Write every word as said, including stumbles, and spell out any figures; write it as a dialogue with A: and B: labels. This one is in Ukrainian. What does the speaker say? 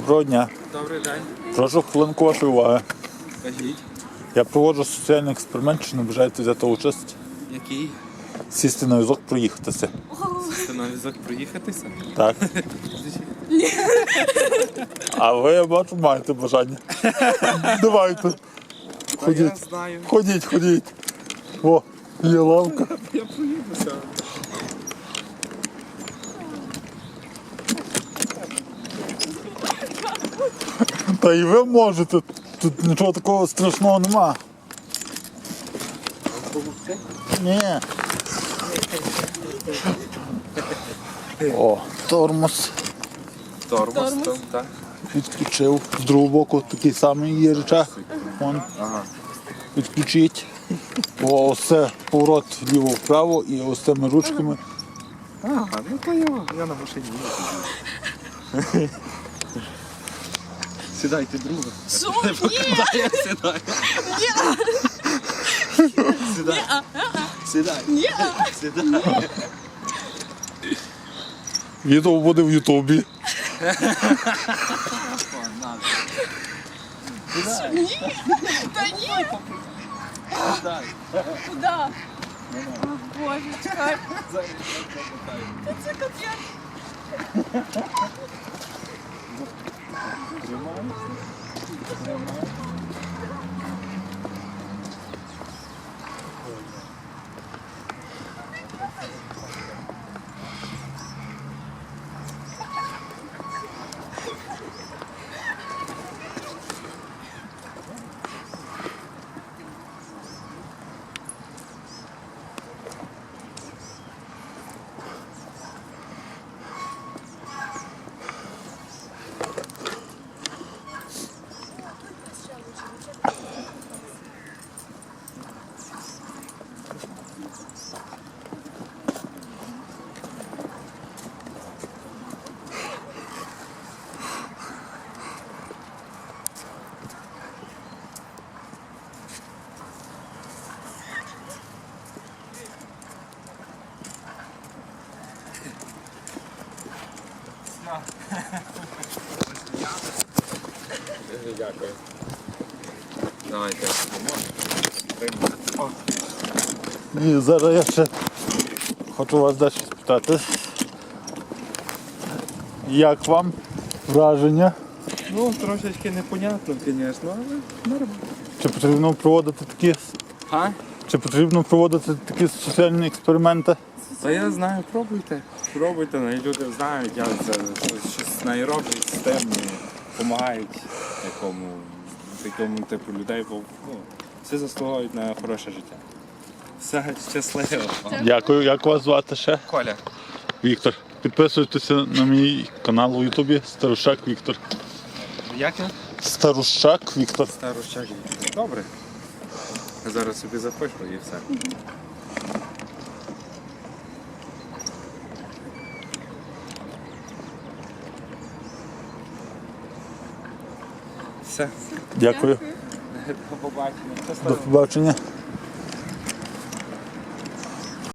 A: Доброго дня.
B: Добрий день.
A: Прошу хвилинку вашої уваги.
B: Кажіть.
A: Я проводжу соціальний експеримент, чи не бажаєте взяти участь?
B: Який?
A: Сісти на візок, проїхатися.
B: Сісти на візок проїхатися?
A: Так. А ви, я бачу, маєте бажання. Давайте.
B: Та я
A: Ходіть.
B: знаю.
A: Ходіть, ходіть. О, є лавка.
B: Я проїдуся.
A: Та і ви можете. Тут нічого такого страшного нема. Ні. О, тормоз.
B: Тормоз, там, так.
A: Відключив. З другого боку такий самий є рычаг. Вон.
B: Ага.
A: Відключіть. О, ось це поворот вліво-вправо і ось цими ручками.
B: Ага, ну то я, я на машині їду. Сідайте, друга.
C: Що? Ні!
B: Я сідаю. Сідай. Сідай.
C: Ні!
B: Сідай.
A: Відео буде в Ютубі.
C: Ні! Та ні!
B: Сідай.
C: Куди? О, Боже, чекай. Та це капець.
B: Дякую. Давайте.
A: І зараз я ще хочу вас дещо спитати. Як вам враження?
B: Ну, трошечки непонятно, звісно, але нормально.
A: Чи потрібно проводити такі,
B: А?
A: чи потрібно проводити такі соціальні експерименти?
B: Та я знаю, пробуйте. Пробуйте, ну, і люди знають, як це щось не роблять з тим, допомагають якому, такому типу людей, бо ну, всі заслуговують на хороше життя. Все, щасливо.
A: Дякую. Як вас звати ще?
B: Коля.
A: Віктор. Підписуйтеся на мій канал у Ютубі Старущак Віктор.
B: Як я?
A: Старущак Віктор.
B: Старощак. Добре. Я зараз собі запишу і все. Все.
A: Дякую.
B: До побачення.
A: До побачення.